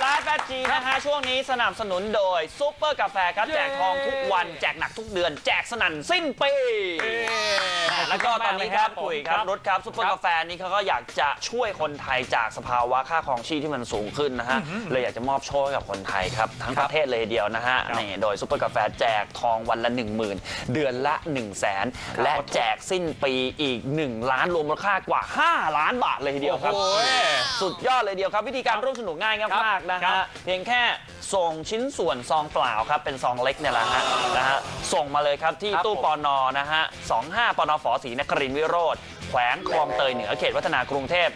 แฟจีนะฮะช่วงนี้สนับสนุนโดยซุปเปอร์กาแฟครับแจกทองทุกวันแจกหนักทุกเดือนแจกสนั่นสิ้นปีแล้วก็ตอนนี้ครับคุยครับรถครับซุปเปอร์กาแฟนี้เขาก็อยากจะช่วยคนไทยจากสภาวะค่าครองชีพที่มันสูงขึ้นนะฮะเลยอยากจะมอบโชคให้กับคนไทยครับทั้งประเทศเลยเดียวนะฮะนี่โดยซุปเปอร์กาแฟแจกทองวันละ 10,000 เดือนละ 100,000 และแจกสิ้นปีอีก1 ล้านรวมมูลค่ากว่า5 ล้านบาทเลยทีเดียวครับสุดยอดเลยเดียวครับวิธีการร่วมสนุกง่ายมากนะฮะเพียงแค่ส่งชิ้นส่วนซองเปล่าครับเป็นซองเล็กเนี่ยแหละนะฮะส่งมาเลยครับที่ตู้ปนนะฮะ25ปนฝ.ศรีนครินทร์วิโรธแขวงคลองเตยเหนือเขตวัฒนากรุงเทพ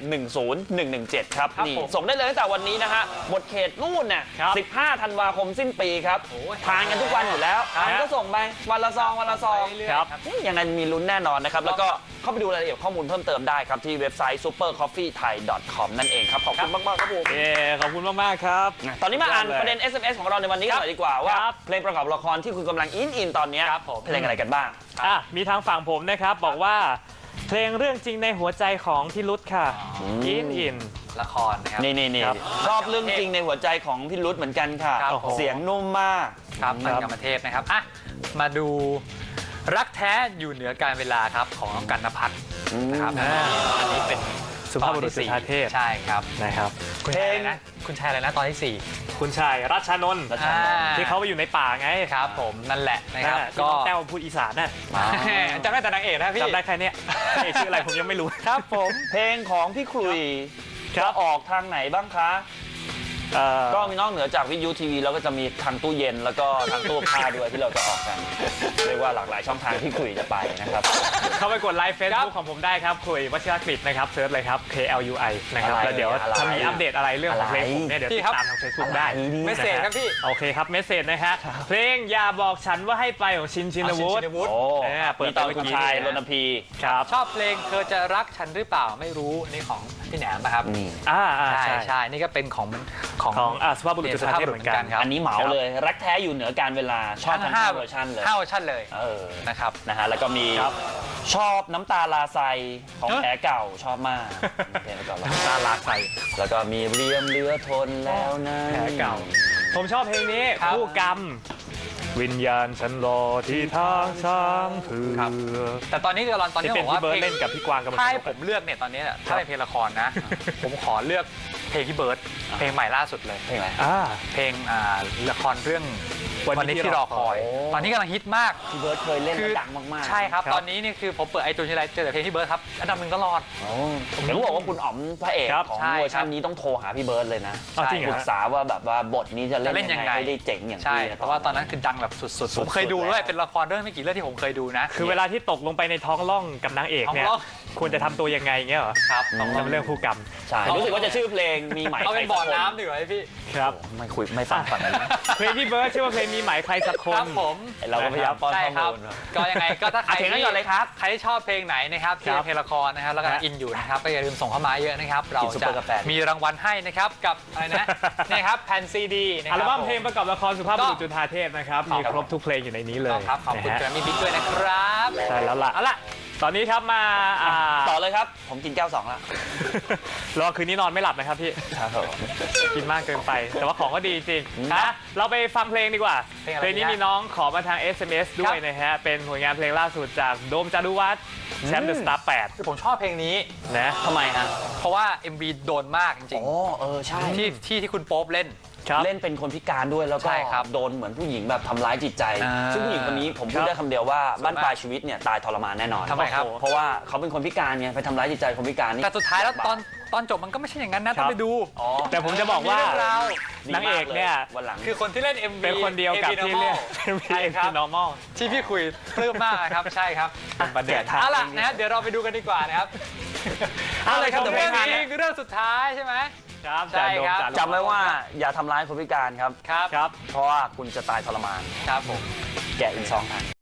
10117ครับนี่ส่งได้เลยตั้งแต่วันนี้นะฮะหมดเขตนู่นน่ะ15 ธันวาคมสิ้นปีครับทานกันทุกวันอยู่แล้วก็ส่งไปวันละซองครับยังไงมีลุ้นแน่นอนนะครับแล้วก็เข้าไปดูรายละเอียดข้อมูลเพิ่มเติมได้ครับที่เว็บไซต์ supercoffeethai.com นั่นเองครับขอบคุณมากๆครับผมขอบคุณมากๆครับตอนนี้มาอ่านประเด็น SMS ของเราในวันนี้กันหน่อยดีกว่าว่าเพลงประกอบละครที่คุณกำลังอินตอนนี้เพลงอะไรกันบ้างมีทางฝั่งผมนะครับบอกว่าเพลงเรื่องจริงในหัวใจของพี่รุธค่ะอินละครนะครับนี่ชอบเรื่องจริงในหัวใจของพี่รุธเหมือนกันค่ะเสียงนุ่มมากครับมันกรรมเทพนะครับมาดูรักแท้อยู่เหนือการเวลาครับของน้องกันณภัทรนะครับอันนี้เป็นสุภาพบุรุษจุฑาเทพใช่ครับนะครับคุณชายอะไรนะตอนที่4 คุณชายรัชนนท์ที่เขาไปอยู่ในป่าไงครับผมนั่นแหละนะครับก็แต้วพูดอีสานน่ะจำได้แต่นางเอกนะพี่จำได้แค่นี้ชื่ออะไรผมยังไม่รู้ครับผมเพลงของพี่ครุยจะออกทางไหนบ้างคะก็มีนอกเหนือจากวิทยุทีวีแล้วก็จะมีทางตู้เย็นแล้วก็ทางตู้ผ้าด้วยที่เราจะออกกันเรียกว่าหลากหลายช่องทางที่คุยจะไปนะครับเข้าไปกดไลค์เฟซบุ๊กของผมได้ครับคุยวชิรกฤษนะครับเซิร์ชเลยครับ KLUI นะครับแล้วเดี๋ยวถ้ามีอัปเดตอะไรเรื่องของเพลงผมเนี่ยเดี๋ยวติดตามทางเฟซบุ๊กได้เมสเซจครับพี่โอเคครับเมสเซจนะฮะเพลงอย่าบอกฉันว่าให้ไปของชินวุฒิเปิดตอนคุณชายรณพีครับชอบเพลงเธอจะรักฉันหรือเปล่าไม่รู้นี่ของพี่แหนมนะครับใช่นี่ก็เป็นของสุภาพบุรุษจุฑาเทพเหมือนกันอันนี้เหมาเลยรักแท้อยู่เหนือการเวลาชอบทั้ง5 เวอร์ชันเลย 5 เวอร์ชันเลยนะครับแล้วก็มีชอบน้ำตาลาไซของแผลเก่าชอบมากเพลงเก่าน้ำตาลาไซแล้วก็มีเรียมเรือทนแล้วนะแผลเก่าผมชอบเพลงนี้คู่กรรมวิญญาณฉันรอที่ทางช้างเผือกแต่ตอนนี้ตอนนี้บอกว่าเพลงเล่นกับพี่กวางกับถ้าให้ผมเลือกเนี่ยตอนนี้ถ้าเป็นเพลงละครนะผมขอเลือกเพลงพี่เบิร์ดเพลงใหม่ล่าสุดเลยเพลงอะไรเพลงละครเรื่องวันนี้ที่รอคอยตอนนี้กำลังฮิตมากพี่เบิร์ดเคยเล่นดังมากๆใช่ครับตอนนี้นี่คือผมเปิดไอจูนทีไรเจอแต่เพลงพี่เบิร์ดครับอันดับ 1ตลอดผมรู้บอกว่าคุณอ๋อมพระเอกของเวอร์ชันนี้ต้องโทรหาพี่เบิร์ดเลยนะปรึกษาว่าแบบว่าบทนี้จะเล่นยังไงให้ได้เจ๋งอย่างที่เพราะว่าตอนนั้นคือดังแบบสุดๆผมเคยดูด้วยเป็นละครเรื่องไม่กี่เรื่องที่ผมเคยดูนะคือเวลาที่ตกลงไปในท้องร่องกับนางเอกเนี่ยควรจะทำตัวยังไงเงี้ยเหรอครับเป็นเรื่องคู่กรรมใช่รู้สึกว่าจะชื่อเพลงมีไหมเอาเป็นบ่อน้ำดีกว่าพี่ครับไม่คุยไม่ฟังฝั่งนั้นเพลงพี่เบิร์ดชื่อว่าเพลงมีไหมใครสักคนครับผมเราก็พยายามป้อนข้อมูลก็ยังไงก็ถ้าใครที่เลยครับใครที่ชอบเพลงไหนนะครับที่เพลงละครนะครับแล้วก็อินอยู่นะครับก็อย่าลืมส่งเข้ามาเยอะนะครับเราจะมีรางวัลให้นะครับกับอะไรนะนี่ครับแผ่นซีดีอัลบั้มเพลงประกอบละครสุภาพบุรุษจุฑาเทพนะครับมีครบทุกเพลงอยู่ในนี้เลยครับขอบคุณแกรมมี่บิ๊กด้วยนะครับใช่แล้วล่ะตอนนี้ครับมาต่อเลยครับผมกินแก้ว2แล้วรอคืนนี้นอนไม่หลับนะครับพี่กินมากเกินไปแต่ว่าของก็ดีจริงนะเราไปฟังเพลงดีกว่าเพลงนี้มีน้องขอมาทาง SMS ด้วยนะฮะเป็นผลงานเพลงล่าสุดจากโดมจารุวัฒน์แชมป์เดอะสตาร์8 คือผมชอบเพลงนี้นะทำไมฮะเพราะว่า MV โดนมากจริงๆใช่ที่คุณโป๊ปเล่นเป็นคนพิการด้วยแล้วก็โดนเหมือนผู้หญิงแบบทำร้ายจิตใจซึ่งผู้หญิงคนนี้ผมพูดได้คำเดียวว่าบ้านปลายชีวิตเนี่ยตายทรมานแน่นอนทำไมครับเพราะว่าเขาเป็นคนพิการไงไปทำร้ายจิตใจคนพิการนี่แต่สุดท้ายแล้วตอนจบมันก็ไม่ใช่อย่างนั้นนะต้องไปดูแต่ผมจะบอกว่านางเอกเนี่ยคือคนที่เล่น MV เป็นคนเดียวกับที่เล่น MV normal ที่พี่คุยปลื้มมากครับใช่ครับประเด็นเอาล่ะนะเดี๋ยวเราไปดูกันดีกว่านะครับเอาเลยครับเรื่องนี้คือเรื่องสุดท้ายใช่ไหมใช่ครับจำไว้ว่าอย่าทำร้ายคนพิการครับครับเพราะว่าคุณจะตายทรมานครับผมแกะอีก2 ทาง